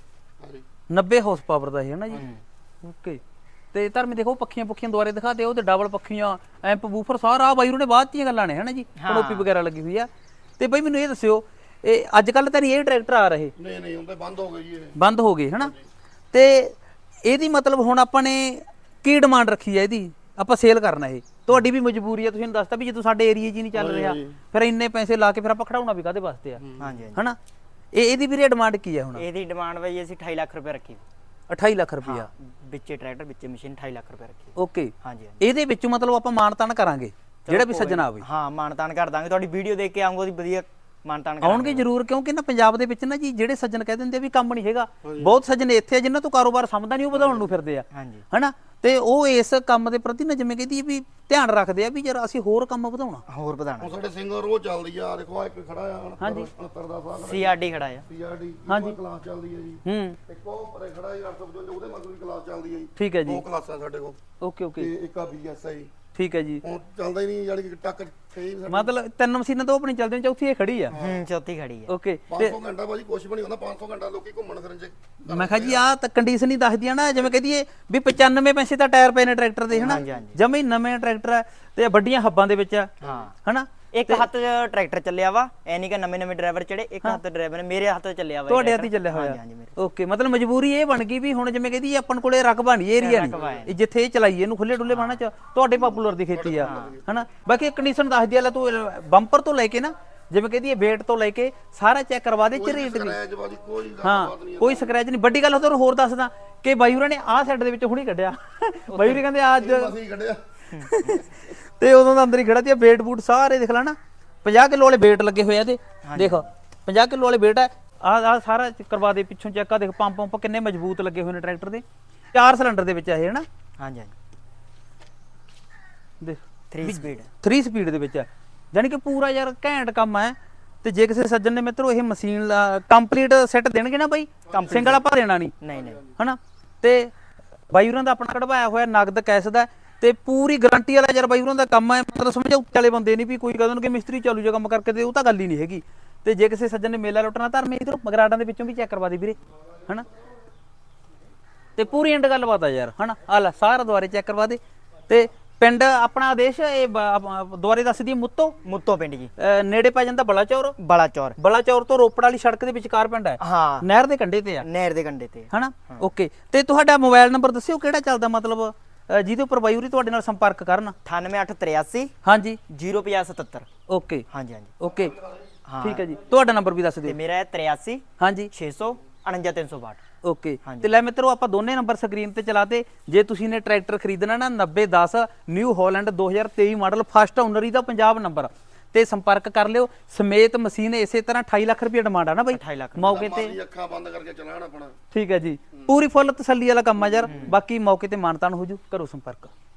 Speaker 1: 90 ਹਾਰਸ ਪਾਵਰ ਦਾ ਇਹ, ਹੈ ਨਾ ਜੀ? ਓਕੇ। ਤੇ ਧਰਮੀ ਦੇਖੋ ਪੱਖੀਆਂ ਦੁਆਰੇ ਦਿਖਾ ਦਿਓ, ਤੇ ਡਬਲ ਪੱਖੀਆਂ, ਐਂਪ ਬੂਫਰ, ਸਾਰਾ ਬਾਈ ਨੇ ਬਾਅਦ ਦੀਆਂ ਗੱਲਾਂ ਨੇ, ਹੈ ਨਾ ਜੀ? ਕਨੋਪੀ ਵਗੈਰਾ ਲੱਗੀ ਹੋਈ ਆ। ਤੇ ਬਈ ਮੈਨੂੰ ਇਹ ਦੱਸਿਓ, ਇਹ ਅੱਜ ਕੱਲ ਤਾਂ ਨਹੀਂ ਇਹ ਟਰੈਕਟਰ ਆ ਰਹੇ?
Speaker 3: ਨਹੀਂ ਹੁਣ ਤਾਂ ਬੰਦ ਹੋ ਗਏ ਜੀ, ਇਹ
Speaker 1: ਬੰਦ ਹੋ ਗਏ, ਹਨਾ? ਤੇ ਇਹਦੀ ਮਤਲਬ ਹੁਣ ਆਪਾਂ ਨੇ ਕੀ ਡਿਮਾਂਡ ਰੱਖੀ ਹੈ ਇਹਦੀ? ਆਪਾਂ ਸੇਲ ਕਰਨਾ ਇਹ, ਤੁਹਾਡੀ ਵੀ ਮਜਬੂਰੀ ਹੈ, ਤੁਸੀਂ ਦੱਸਤਾ ਵੀ ਜਦੋਂ ਸਾਡੇ ਏਰੀਆ 'ਚ ਹੀ ਨਹੀਂ ਚੱਲ ਰਿਹਾ, ਫਿਰ ਇੰਨੇ ਪੈਸੇ ਲਾ ਕੇ ਫਿਰ ਆਪਾਂ ਖੜਾਉਣਾ ਵੀ ਕਾਹਦੇ ਵਾਸਤੇ ਆ?
Speaker 2: ਹਾਂਜੀ
Speaker 1: ਹਨਾ? ਇਹਦੀ ਵੀਰੇ ਡਿਮਾਂਡ ਕੀ ਹੈ ਹੁਣ?
Speaker 2: ਇਹਦੀ ਡਿਮਾਂਡ ਬਈ ਅਸੀਂ 28 ਲੱਖ ਰੁਪਏ ਰੱਖੀ।
Speaker 1: 28 ਲੱਖ ਰੁਪਇਆ
Speaker 2: ਵਿੱਚੇ ਟਰੈਕਟਰ ਵਿੱਚੇ ਮਸ਼ੀਨ 28 ਲੱਖ ਰੁਪਏ ਰੱਖੀ।
Speaker 1: ਓਕੇ।
Speaker 2: ਹਾਂਜੀ
Speaker 1: ਇਹਦੇ ਵਿੱਚੋਂ ਮਤਲਬ ਆਪਾਂ ਮਾਨਤਾਨ ਕਰਾਂਗੇ ਜਿਹੜਾ ਵੀ ਸੱਜਣਾ ਆਵੇ?
Speaker 2: ਹਾਂ ਮਾਨਤਾਨ ਕਰ ਦਾਂਗੇ, ਤੁਹਾਡੀ ਵੀਡੀਓ ਦੇਖ ਕੇ ਆਉਂਗਾ, ਉਹਦੀ ਵਧੀਆ ਮਾਨਤਾਨ
Speaker 1: ਆਉਣਗੇ ਜ਼ਰੂਰ, ਕਿਉਂਕਿ ਨਾ ਪੰਜਾਬ ਦੇ ਵਿੱਚ ਨਾ ਜੀ ਜਿਹੜੇ ਸੱਜਣ ਕਹਿ ਦਿੰਦੇ ਆ ਵੀ ਕੰਮ ਨਹੀਂ ਹੈਗਾ, ਬਹੁਤ ਸੱਜਣ ਇੱਥੇ ਆ ਜਿਨ੍ਹਾਂ ਤੋਂ ਕਾਰੋਬਾਰ ਸਮਝਦਾ ਨਹੀਂ, ਉਹ ਵਧਾਉਣ ਨੂੰ ਫਿਰਦੇ ਆ,
Speaker 2: ਹਾਂਜੀ
Speaker 1: ਹਨਾ? ਤੇ ਉਹ ਇਸ ਕੰਮ ਦੇ ਪ੍ਰਤੀ ਨਾ ਜਿਵੇਂ ਕਹਿੰਦੀ ਵੀ ਧਿਆਨ ਰੱਖਦੇ ਆ ਵੀ ਯਾਰ ਅਸੀਂ ਹੋਰ ਕੰਮ ਵਧਾਉਣਾ,
Speaker 2: ਹੋਰ ਵਧਾਣਾ।
Speaker 3: ਹੁਣ ਸਾਡੇ ਸਿੰਗਰ ਉਹ ਚੱਲਦੀ ਆ, ਦੇਖੋ ਆ ਇੱਕ ਖੜਾ ਆ 69 ਦਾ ਸਾਲ
Speaker 2: ਸੀਆਰਡੀ ਖੜਾ ਆ,
Speaker 3: ਸੀਆਰਡੀ ਕਲਾਸ ਚੱਲਦੀ ਹੈ ਜੀ। ਇੱਕ ਉਹ ਪਰੇ ਖੜਾ ਜੀ 855, ਉਹਦੇ ਮਗਰ ਵੀ ਕਲਾਸ ਚੱਲਦੀ ਹੈ ਜੀ।
Speaker 1: ਠੀਕ ਹੈ ਜੀ।
Speaker 3: ਦੋ ਕਲਾਸਾਂ ਸਾਡੇ ਕੋਲ।
Speaker 1: Okay okay.
Speaker 3: ਤੇ ਇੱਕ ਆ ਬੀਐਸਆਈ।
Speaker 1: ਠੀਕ ਹੈ ਜੀ।
Speaker 3: ਹੁਣ ਚੱਲਦਾ ਹੀ ਨਹੀਂ, ਯਾਨੀ ਕਿ ਟੱਕ
Speaker 1: ਮਤਲਬ 3 ਮਸ਼ੀਨਾਂ ਤਾਂ ਆਪਣੀ ਚੱਲਦੀਆਂ, ਚੌਥੀ ਇਹ ਖੜੀ ਆ।
Speaker 2: ਚੌਥੀ ਖੜੀ ਆ।
Speaker 1: ਓਕੇ।
Speaker 3: 500 ਘੰਟਾ ਬਾਜੀ ਕੁਛ ਵੀ ਨਹੀਂ ਹੁੰਦਾ, 500 ਘੰਟਾ ਲੋਕੀ ਘੁੰਮਣ ਫਿਰਨ ਚ।
Speaker 1: ਮੈਂ ਕਿਹਾ ਜੀ ਆਹ ਤਾਂ ਕੰਡੀਸ਼ਨ ਹੀ ਦੱਸਦੀ ਆ ਨਾ, ਜਿਵੇਂ ਕਹਦੀਏ ਵੀ 95 ਪੈਸੇ ਤਾਂ ਟਾਇਰ ਪਏ ਨੇ ਟਰੈਕਟਰ ਦੇ, ਹਨਾ? ਜਮੇ ਨਵੇਂ ਟਰੈਕਟਰ ਆ ਤੇ ਵੱਡੀਆਂ ਹੱਬਾਂ ਦੇ ਵਿੱਚ ਆ, ਹਨਾ?
Speaker 2: ਇੱਕ ਹੱਥ 'ਚ ਟਰੈਕਟਰ ਚੱਲਿਆ ਵਾ, ਐ ਨਹੀਂ ਕਿ ਨਵੇਂ ਡਰਾਈਵਰ ਚੜੇ, ਇੱਕ ਹੱਥ ਡਰਾਈਵਰ ਨੇ, ਮੇਰੇ ਹੱਥ 'ਚ ਚੱਲਿਆ ਵਾ।
Speaker 1: ਤੁਹਾਡੇ ਹੱਥ ਹੀ ਚੱਲਿਆ ਹੋਇਆ?
Speaker 2: ਹਾਂਜੀ ਮੇਰੇ।
Speaker 1: ਓਕੇ। ਮਤਲਬ ਮਜਬੂਰੀ ਇਹ ਬਣ ਗਈ ਵੀ ਹੁਣ ਜਿਵੇਂ ਕਹਦੀ ਆਪਾਂ ਕੋਲੇ ਰਕਬਾ ਨਹੀਂ, ਏਰੀਆ ਨਹੀਂ, ਜਿੱਥੇ ਇਹ ਚਲਾਈਏ ਇਹਨੂੰ ਖੁੱਲੇ ਡੁੱਲੇ ਬਾਣਾ ਚ, ਤੁਹਾਡੇ ਪਾਪੂਲਰ ਦੀ ਖੇਤੀ ਆ, ਹਨਾ? ਬਾਕੀ ਕੰਡੀਸ਼ਨ ਦੱਸਦੀ ਆ, ਲੈ ਤੂੰ ਬੰਪਰ ਤੋਂ ਲੈ ਕੇ ਨਾ ਜਿਵੇਂ ਕਹਦੀ ਵੇਟ ਤੋਂ ਲੈ ਕੇ ਸਾਰਾ ਚੈੱਕ ਕਰਵਾ ਦੇ, ਝਰੀਟ ਵੀ। ਹਾਂ ਕੋਈ ਸਕ੍ਰੈਚ ਨਹੀਂ। ਵੱਡੀ ਗੱਲ ਉਹ ਤੁਹਾਨੂੰ ਹੋਰ ਦੱਸਦਾ ਕਿ ਬਾਈ ਹੋਰਾਂ ਨੇ ਆਹ ਸਾਈਡ ਦੇ ਵਿੱਚ ਹੁਣੀ ਕੱਢਿਆ, ਬਾਈ ਹੋਰੀ ਕਹਿੰਦੇ ਅੱਜ ਤੇ ਉਦੋਂ ਦਾ ਅੰਦਰ ਹੀ ਖੜਾ ਤੇ ਵੇਟ ਬੂਟ ਸਾਰੇ ਦੇਖ ਲੈ ਨਾ, 50 ਕਿਲੋ ਵਾਲੇ ਵੇਟ ਲੱਗੇ ਹੋਏ ਆ ਤੇ ਦੇਖ 50 ਕਿਲੋ ਵਾਲੇ ਵੇਟ ਆ। ਆਹ ਸਾਰਾ ਕਰਵਾ ਦੇ ਪਿੱਛੋਂ ਚੈੱਕ ਆ, ਦੇਖ ਪੰਪ ਕਿੰਨੇ ਮਜ਼ਬੂਤ ਲੱਗੇ ਹੋਏ ਨੇ ਟਰੈਕਟਰ ਦੇ, 4 ਸਿਲੰਡਰ ਦੇ ਵਿੱਚ ਆ ਇਹ, ਹਨਾ?
Speaker 2: ਹਾਂਜੀ ਹਾਂਜੀ।
Speaker 1: ਦੇਖ
Speaker 2: 3
Speaker 1: ਸਪੀਡ ਦੇ ਵਿੱਚ ਆ, ਜਾਨੀ ਕਿ ਪੂਰਾ ਯਾਰ ਘੈਂਟ ਕੰਮ ਹੈ। ਤੇ ਜੇ ਕਿਸੇ ਸੱਜਣ ਨੇ ਮਿੱਤਰੋ ਇਹ ਮਸ਼ੀਨ ਕੰਪਲੀਟ ਸੈੱਟ ਦੇਣਗੇ ਨਾ ਬਾਈ, ਸਿੰਗਲ ਆਪਾਂ ਦੇਣਾ ਨਹੀਂ, ਹਨਾ? ਤੇ ਬਾਈ ਹੋਰਾਂ ਦਾ ਆਪਣਾ ਕਢਵਾਇਆ ਹੋਇਆ ਨਗਦ ਕੈਸ਼ ਦਾ, ਤੇ ਪੂਰੀ ਗਾਰੰਟੀ ਵਾਲਾ ਯਾਰ ਬਾਈ ਹੋਰਾਂ ਦਾ ਕੰਮ ਹੈ। ਮਤਲਬ ਸਮਝੋ ਵਾਲੇ ਬੰਦੇ ਨਹੀਂ ਵੀ ਕੋਈ ਕਹਿੰਦੇ ਕਿ ਮਿਸਤਰੀ ਚਾਲੂ ਜਿਹਾ ਕੰਮ ਕਰਕੇ ਤੇ ਉਹ ਤਾਂ ਗੱਲ ਹੀ ਨਹੀਂ ਹੈਗੀ। ਤੇ ਜੇ ਕਿਸੇ ਸੱਜਣ ਨੇ ਮੇਲਾ ਲੁੱਟਣਾ, ਧਰਮੇ ਇਧਰੋਂ ਮਗਰਾਟਾਂ ਦੇ ਵਿੱਚੋਂ ਵੀ ਚੈੱਕ ਕਰਵਾ ਦੇ ਵੀਰੇ, ਹਨਾ? ਤੇ ਪੂਰੀ ਐਂਡ ਗੱਲਬਾਤ ਆ ਯਾਰ, ਹਨਾ? ਆ ਲੈ ਸਾਰਾ ਦੁਆਰੇ ਚੈੱਕ ਕਰਵਾ ਦੇ। ਤੇ ਪਿੰਡ ਆਪਣਾ ਆਦੇਸ਼ ਇਹ ਦੁਆਰੇ ਦੱਸ ਦੀ
Speaker 2: ਮੁੱਤੋ ਪਿੰਡ ਜੀ,
Speaker 1: ਨੇੜੇ ਪੈ ਜਾਂਦਾ ਬਲਾਚੌਰ ਤੋਂ ਰੋਪੜ ਵਾਲੀ ਸੜਕ ਦੇ ਵਿਚਕਾਰ ਪਿੰਡ ਹੈ।
Speaker 2: ਹਾਂ
Speaker 1: ਨਹਿਰ ਦੇ ਕੰਢੇ ਤੇ ਆ,
Speaker 2: ਨਹਿਰ ਦੇ ਕੰਢੇ ਤੇ,
Speaker 1: ਹਨਾ? ਓਕੇ। ਤੇ ਤੁਹਾਡਾ ਮੋਬਾਈਲ ਨੰਬਰ ਦੱਸਿਓ ਕਿਹੜਾ ਚੱਲਦਾ, ਮਤਲਬ ਜਿਹਦੇ ਉੱਪਰ ਬਾਈ ਹੋਰੀ ਤੁਹਾਡੇ ਨਾਲ ਸੰਪਰਕ ਕਰਨ?
Speaker 2: 9883
Speaker 1: ਹਾਂਜੀ
Speaker 2: 0577।
Speaker 1: ਓਕੇ
Speaker 2: ਹਾਂਜੀ ਹਾਂਜੀ
Speaker 1: ਓਕੇ ਠੀਕ ਹੈ ਜੀ। ਤੁਹਾਡਾ ਨੰਬਰ ਵੀ ਦੱਸ ਦਿਓ।
Speaker 2: ਤੇ ਮੇਰਾ ਹੈ 83
Speaker 1: ਹਾਂਜੀ
Speaker 2: 600 49362।
Speaker 1: ਓਕੇ। ਤੇ ਲੈ ਮਿੱਤਰੋ ਆਪਾਂ ਦੋਨੇ ਨੰਬਰ ਸਕਰੀਨ ਤੇ ਚਲਾਤੇ। ਜੇ ਤੁਸੀਂ ਨੇ ਟਰੈਕਟਰ ਖਰੀਦਣਾ ਨਾ 9010 New Holland 2023 model first owner ਹੀ ਦਾ ਪੰਜਾਬ ਨੰਬਰ ਤੇ ਸੰਪਰਕ ਕਰ ਲਿਓ। ਸਮੇਤ ਮਸ਼ੀਨ ਇਸੇ ਤਰ੍ਹਾਂ 28 ਲੱਖ ਰੁਪਏ ਡਿਮਾਂਡ ਆ ਨਾ ਬਾਈ,
Speaker 2: 28 ਲੱਖ
Speaker 1: ਮੌਕੇ ਤੇ
Speaker 3: ਅੱਖਾਂ ਬੰਦ ਕਰਕੇ ਚਲਾਣ ਆਪਣਾ।
Speaker 1: ਠੀਕ ਹੈ ਜੀ, ਪੂਰੀ ਫੁੱਲ ਤਸੱਲੀ ਵਾਲਾ ਕੰਮ ਆ ਯਾਰ। ਬਾਕੀ ਮੌਕੇ ਤੇ ਮਾਨਤਾਨ ਹੋ ਜੂ, ਕਰੋ ਸੰਪਰਕ।